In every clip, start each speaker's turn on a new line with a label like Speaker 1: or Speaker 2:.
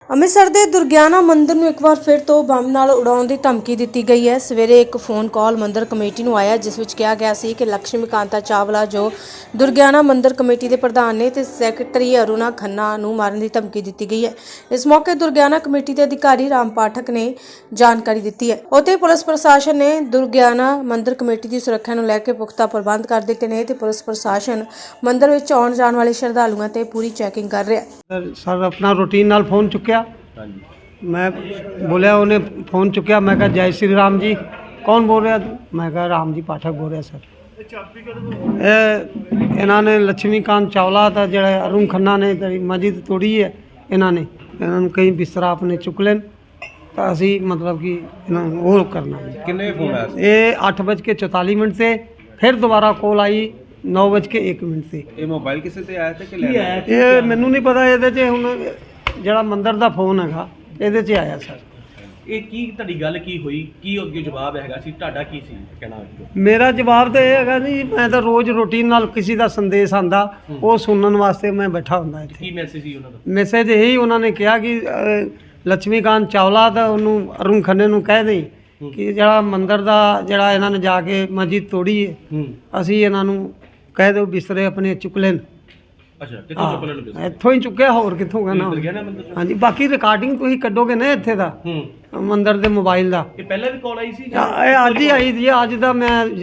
Speaker 1: ਅੰਮ੍ਰਿਤਸਰ ਦੇ ਦੁਰਗਿਆਨਾ ਮੰਦਿਰ ਨੂੰ ਇੱਕ ਵਾਰ ਫਿਰ ਤੋਂ ਬੰਬ ਨਾਲ ਉਡਾਉਣ ਦੀ ਧਮਕੀ ਦਿੱਤੀ ਗਈ ਹੈ। ਸਵੇਰੇ ਇੱਕ ਫੋਨ ਕਾਲ ਮੰਦਿਰ ਕਮੇਟੀ ਨੂੰ ਆਇਆ ਜਿਸ ਵਿੱਚ ਕਿਹਾ ਗਿਆ ਸੀ ਕਿ ਲక్ష్ਮੀ ਕਾਂਤਾ ਚਾਵਲਾ ਜੋ ਦੁਰਗਿਆਨਾ ਮੰਦਿਰ ਕਮੇਟੀ ਦੇ ਪ੍ਰਧਾਨ ਨੇ ਤੇ ਸੈਕਟਰੀ ਅਰੁਣਾ ਖੰਨਾ ਨੂੰ ਮਾਰਨ ਦੀ ਧਮਕੀ ਦਿੱਤੀ ਗਈ ਹੈ। ਇਸ ਮੌਕੇ ਦੁਰਗਿਆਨਾ ਕਮੇਟੀ ਦੇ ਅਧਿਕਾਰੀ ਰਾਮ ਪਾਠਕ ਨੇ ਜਾਣਕਾਰੀ ਦਿੱਤੀ ਹੈ। ਉੱਥੇ ਪੁਲਿਸ ਪ੍ਰਸ਼ਾਸਨ ਨੇ ਦੁਰਗਿਆਨਾ ਮੰਦਿਰ ਕਮੇਟੀ ਦੀ ਸੁਰੱਖਿਆ ਨੂੰ ਲੈ ਕੇ ਪੁਖਤਾ ਪ੍ਰਬੰਧ ਕਰ ਦਿੱਤੇ ਨੇ ਤੇ ਪੁਲਿਸ ਪ੍ਰਸ਼ਾਸਨ ਮੰਦਿਰ ਵਿੱਚ ਆਉਣ ਜਾਣ ਵਾਲੇ ਸ਼ਰਧਾਲੂਆਂ ਤੇ ਪੂਰੀ ਚੈਕਿੰਗ ਕਰ ਰਿਹਾ ਹੈ।
Speaker 2: सर अपना रूटीन नाल फोन चुक्या। मैं बोलिया उन्हें फोन चुक्या। मैं कहा जय श्री राम जी, कौन बोल रहा तू? मैं कहा राम जी पाठक बोल रहा सर। इन्होंने लक्ष्मीकांत चावला था जड़ा अरुण खन्ना ने मस्जिद तोड़ी है। इन्होंने कई बिस्तरा अपने चुक लेन तो असी मतलब कि वो करना
Speaker 3: किन्ने फोन आया?
Speaker 2: ये 8:44 से फिर दोबारा कॉल आई 9:01 से।
Speaker 3: ਇਹ ਮੋਬਾਈਲ ਕਿਸੇ ਤੇ ਆਇਆ ਤੇ ਕਿ ਲੈ ਆਇਆ?
Speaker 2: ਇਹ ਮੈਨੂੰ ਨਹੀਂ ਪਤਾ। ਇਹਦੇ 'ਚ ਹੁਣ ਜਿਹੜਾ ਮੰਦਰ ਦਾ ਫੋਨ ਹੈਗਾ ਇਹਦੇ 'ਚ ਆਇਆ ਸਰ।
Speaker 4: ਇਹ ਕੀ ਤੁਹਾਡੀ ਗੱਲ ਕੀ ਹੋਈ, ਕੀ ਅੱਗੇ ਜਵਾਬ ਹੈਗਾ ਸੀ ਤੁਹਾਡਾ, ਕੀ ਸੀ ਕਹਿਣਾ?
Speaker 2: ਮੇਰਾ ਜਵਾਬ ਤਾਂ ਇਹ ਹੈਗਾ ਜੀ, ਮੈਂ ਤਾਂ ਰੋਜ਼ ਰੂਟੀਨ ਨਾਲ ਕਿਸੇ ਦਾ ਸੰਦੇਸ਼ ਆਂਦਾ ਉਹ ਸੁਣਨ ਵਾਸਤੇ ਮੈਂ ਬੈਠਾ ਹੁੰਦਾ ਇੱਥੇ।
Speaker 4: ਕੀ ਮੈਸੇਜ ਸੀ ਉਹਨਾਂ ਦਾ?
Speaker 2: ਮੈਸੇਜ ਇਹੀ ਉਹਨਾਂ ਨੇ ਕਿਹਾ ਕਿ ਲక్ష్ਮੀਕਾਂਤ ਚਾਵਲਾ ਦਾ ਉਹਨੂੰ ਅਰੁਣ ਖੰਨੇ ਨੂੰ ਕਹਿ ਦੇਈ ਕਿ ਜਿਹੜਾ ਮੰਦਰ ਦਾ ਜਿਹੜਾ ਇਹਨਾਂ ਨੇ ਜਾ ਕੇ ਮਸਜਿਦ ਤੋੜੀ ਹੈ ਅਸੀਂ ਇਹਨਾਂ ਨੂੰ ਕਹਿ ਦਿਓ ਬਿਸਤਰੇ ਆਪਣੇ ਚੁੱਕ ਲੈਣ।
Speaker 4: ਅੱਛਾ, ਕਿੱਥੋਂ ਚੁੱਕ ਲੈਣਗੇ?
Speaker 2: ਇੱਥੋਂ ਹੀ ਚੁੱਕਿਆ, ਹੋਰ ਕਿੱਥੋਂ ਕਹਿਣਾ?
Speaker 4: ਦੁਰਗਿਆਨਾ ਮੰਦਿਰ ਚੋਂ?
Speaker 2: ਹਾਂਜੀ, ਬਾਕੀ ਰਿਕਾਰਡਿੰਗ ਤੁਸੀਂ ਕੱਢੋਗੇ ਨਾ ਇੱਥੇ ਦਾ ਮੰਦਰ ਦੇ ਮੋਬਾਈਲ ਦਾ।
Speaker 4: ਇਹ ਪਹਿਲਾਂ ਵੀ ਕਾਲ ਆਈ ਸੀ?
Speaker 2: ਇਹ ਅੱਜ ਹੀ ਆਈ ਸੀ। ਅੱਜ ਦਾ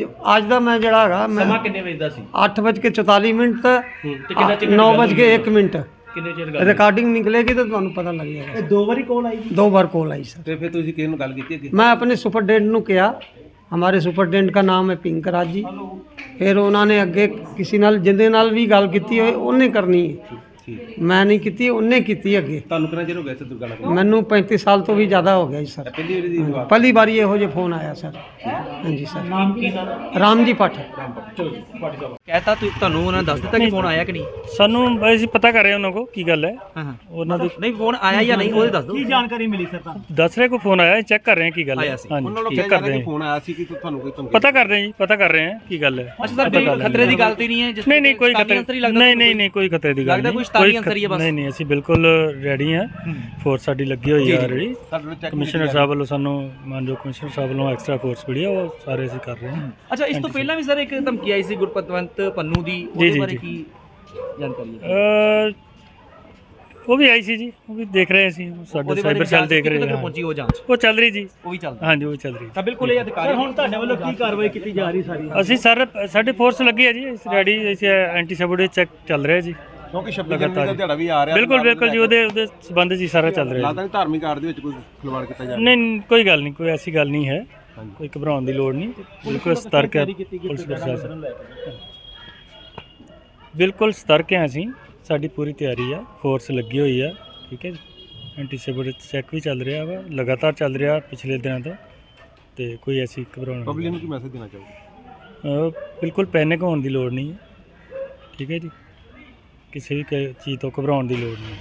Speaker 2: ਮੈਂ ਜਿਹੜਾ ਹੈਗਾ ਮੈਂ
Speaker 4: ਸਮਾਂ ਕਿੰਨੇ ਵਜੇ ਦਾ ਸੀ?
Speaker 2: 8:44
Speaker 4: ਤੇ ਕਿੰਨਾ ਚਿਰ
Speaker 2: 9:01
Speaker 4: ਕਿੰਨੇ ਚਿਰ ਗੱਲ?
Speaker 2: ਰਿਕਾਰਡਿੰਗ ਨਿਕਲੇਗੀ ਤਾਂ ਤੁਹਾਨੂੰ ਪਤਾ ਲੱਗ ਜਾਏਗਾ।
Speaker 4: ਦੋ ਵਾਰੀ ਕਾਲ ਆਈ ਸੀ?
Speaker 2: 2 बार कॉल आई सर।
Speaker 3: ਤੇ ਫਿਰ ਤੁਸੀਂ ਕਿਹਨੂੰ ਗੱਲ ਕੀਤੀ ਅੱਗੇ?
Speaker 2: मैं अपने सुपरडेंट ਨੂੰ किया। हमारे सुपरडेंट का नाम है पिंकराज जी। फिर उन्होंने अगे किसी नाल जिंदे नाल भी गल की होए उन्हें करनी है, मैं नहीं की, उन्हें की अगे।
Speaker 3: ਤੁਹਾਨੂੰ ਕਿੰਨਾ ਚਿਰ ਹੋ ਗਿਆ ਸੀ ਦੁਰਗਿਆਨਾ ਕੋਲ?
Speaker 2: मैनू 35 साल तो भी ज़्यादा हो गया जी सर।
Speaker 3: ਪਹਿਲੀ ਵਾਰੀ ਦੀ ਗੱਲ?
Speaker 2: पहली बार ਇਹੋ ਜਿਹੇ ਫੋਨ ਆਇਆ ਸਰ। ਹਾਂਜੀ ਸਰ।
Speaker 4: ਨਾਮ ਕੀ ਨਾਮ?
Speaker 2: ਰਾਮ ਜੀ ਪਾਠਕ।
Speaker 4: ਚਲੋ ਜੀ, ਪਾਰਟੀ ਸਾਹਿਬ
Speaker 5: कहता ਤੁਹਾਨੂੰ ਉਹਨਾਂ ਨੇ ਦੱਸ ਦਿੱਤਾ ਕਿ ਫੋਨ ਆਇਆ ਕਿ ਨਹੀਂ?
Speaker 6: ਸਾਨੂੰ ਅਸੀਂ ਪਤਾ ਕਰ ਰਹੇ ਉਹਨਾਂ ਕੋ ਕੀ ਗੱਲ ਹੈ।
Speaker 5: ਹਾਂ ਹਾਂ,
Speaker 6: ਉਹਨਾਂ ਦੇ
Speaker 5: ਨਹੀਂ ਫੋਨ ਆਇਆ ਜਾਂ ਨਹੀਂ ਉਹਦੇ ਦੱਸ ਦਿਓ।
Speaker 4: ਕੀ ਜਾਣਕਾਰੀ ਮਿਲੀ ਸਰ ਤੁਹਾਨੂੰ?
Speaker 6: ਦੱਸ ਰਹੇ ਕੋ ਫੋਨ ਆਇਆ, ਚੈੱਕ ਕਰ ਰਹੇ ਹਾਂ ਕੀ ਗੱਲ
Speaker 5: ਆਇਆ
Speaker 6: ਹੈ।
Speaker 5: ਸੀ।
Speaker 3: ਉਹਨਾਂ ਨੂੰ
Speaker 6: ਚੈੱਕ
Speaker 3: ਕਿਹਾ
Speaker 6: ਕਰ
Speaker 3: ਜਾ ਰਿਹਾ
Speaker 6: ਰਹੇ
Speaker 3: ਕਿ
Speaker 6: ਹਾਂ,
Speaker 3: ਫੋਨ ਆਇਆ ਸੀ ਕਿ ਤੁਹਾਨੂੰ ਕੋਈ ਧਮਕੀ?
Speaker 6: ਪਤਾ ਕਰ ਰਹੇ ਹਾਂ ਜੀ, ਪਤਾ ਕਰ ਰਹੇ ਹਾਂ ਕੀ ਗੱਲ ਹੈ।
Speaker 5: ਅੱਛਾ ਸਰ, ਕੋਈ ਖਤਰੇ ਦੀ ਗੱਲ ਤੇ ਨਹੀਂ ਹੈ?
Speaker 6: ਨਹੀਂ ਨਹੀਂ, ਕੋਈ ਖਤਰੇ ਨਹੀਂ ਕੋਈ ਖਤਰੇ ਦੀ ਗੱਲ
Speaker 5: ਲੱਗਦਾ
Speaker 6: ਨਹੀਂ।
Speaker 5: ਕੋਈ ਸ਼ੈਤਾਨੀ ਅੰਸਰ ਹੀ ਹੈ ਬਸ।
Speaker 6: ਨਹੀਂ ਨਹੀਂ, ਅਸੀਂ ਬਿਲਕੁਲ ਰੈਡੀ ਹਾਂ। ਫੋਰਸ ਸਾਡੀ ਲੱਗੀ ਹੋਈ ਹੈ ਆਲਰੇਡੀ।
Speaker 3: ਸਾਡੇ ਚੈੱਕ
Speaker 6: ਕਮਿਸ਼ਨਰ ਸਾਹਿਬ ਵੱਲੋਂ ਸਾਨੂੰ ਮਾਨਯੋਗ ਕਮਿਸ਼ਨਰ ਸਾਹਿਬ ਵੱਲੋਂ ਐਕਸਟਰਾ ਫੋਰਸ ਮਿਲੀ ਹੈ, ਉਹ ਸਾਰੇ ਅਸੀਂ ਕਰ ਰਹੇ ਹਾਂ।
Speaker 5: ਅੱਛਾ, ਇਸ ਤੋਂ ਪਹਿਲਾਂ ਵੀ ਸਰ ਇੱਕ ਧਮਕੀ ਆਈ ਸੀ ਗੁਰਪਤਵੰਤ ਪੰਨੂ ਦੀ, ਉਹਦੇ ਬਾਰੇ ਕੀ ਜਾਣਕਾਰੀ ਹੈ?
Speaker 6: ਉਹ ਵੀ ਆਈ ਸੀ ਜੀ, ਉਹ ਵੀ ਦੇਖ ਰਹੇ ਸੀ, ਸਾਡੇ ਸਾਈਬਰ ਸੈੱਲ ਦੇਖ ਰਹੇ ਹਾਂ।
Speaker 5: ਪਹੁੰਚੀ ਉਹ ਜਾਂਚ?
Speaker 6: ਉਹ ਚੱਲ ਰਹੀ ਜੀ।
Speaker 5: ਉਹ ਵੀ ਚੱਲਦਾ?
Speaker 6: ਹਾਂਜੀ, ਉਹ ਵੀ ਚੱਲ ਰਹੀ।
Speaker 5: ਤਾਂ ਬਿਲਕੁਲ ਇਹ ਅਧਿਕਾਰੀ
Speaker 4: ਹੁਣ ਤੁਹਾਡੇ ਵੱਲੋਂ ਕੀ ਕਾਰਵਾਈ ਕੀਤੀ ਜਾ ਰਹੀ ਸਾਰੀ?
Speaker 6: ਅਸੀਂ ਸਰ ਸਾਡੀ ਫੋਰਸ ਲੱਗੀ ਹੈ ਜੀ, ਰੈਡੀ। ਅਸੀਂ ਐਂਟੀ ਸੈਬੋਟੇਜ ਚੈੱਕ ਚੱਲ ਰਿਹਾ ਜੀ।
Speaker 3: ਕਿਉਂਕਿ 26 ਜਨਵਰੀ ਦਾ ਦਿਹਾੜਾ ਵੀ ਆ ਰਿਹਾ।
Speaker 6: ਬਿਲਕੁਲ ਜੀ, ਉਹਦੇ ਸੰਬੰਧ ਜੀ ਸਾਰਾ ਚੱਲ ਰਿਹਾ
Speaker 3: ਲੱਗਦਾ ਨਹੀਂ ਧਾਰਮਿਕ ਕਾਰਜ ਦੇ ਵਿੱਚ ਕੋਈ ਖਿਲਵਾੜ ਕੀਤਾ ਜਾ ਰਿਹਾ?
Speaker 6: ਨਹੀਂ, ਕੋਈ ਗੱਲ ਨਹੀਂ, ਕੋਈ ਐਸੀ ਗੱਲ ਨਹੀਂ ਹੈ, ਕੋਈ ਘਬਰਾਉਣ ਦੀ ਲੋੜ ਨਹੀਂ। ਬਿਲਕੁਲ ਸਤਰਕ ਹੈ ਪੁਲਿਸ ਪ੍ਰਸ਼ਾਸਨ, ਬਿਲਕੁਲ ਸਤਰਕ ਹੈ ਅਸੀਂ। ਸਾਡੀ ਪੂਰੀ ਤਿਆਰੀ ਆ, ਫੋਰਸ ਲੱਗੀ ਹੋਈ ਆ, ਠੀਕ ਹੈ ਜੀ। ਐਂਟੀ ਸੈਬੋਟੇਜ ਚੈੱਕ ਵੀ ਚੱਲ ਰਿਹਾ ਵਾ, ਲਗਾਤਾਰ ਚੱਲ ਰਿਹਾ ਪਿਛਲੇ ਦਿਨਾਂ ਤੋਂ, ਤੇ ਕੋਈ ਐਸੀ ਘਬਰਾਉਣ
Speaker 3: ਪਬਲਿਕ ਨੂੰ ਕੀ ਮੈਸੇਜ ਦੇਣਾ ਚਾਹੋਗੇ?
Speaker 6: ਬਿਲਕੁਲ ਪੈਨਿਕ ਹੋਣ ਦੀ ਲੋੜ ਨਹੀਂ ਹੈ, ਠੀਕ ਹੈ ਜੀ। ਕਿਸੇ ਵੀ ਚੀਜ਼ ਤੋਂ ਘਬਰਾਉਣ ਦੀ ਲੋੜ ਨਹੀਂ।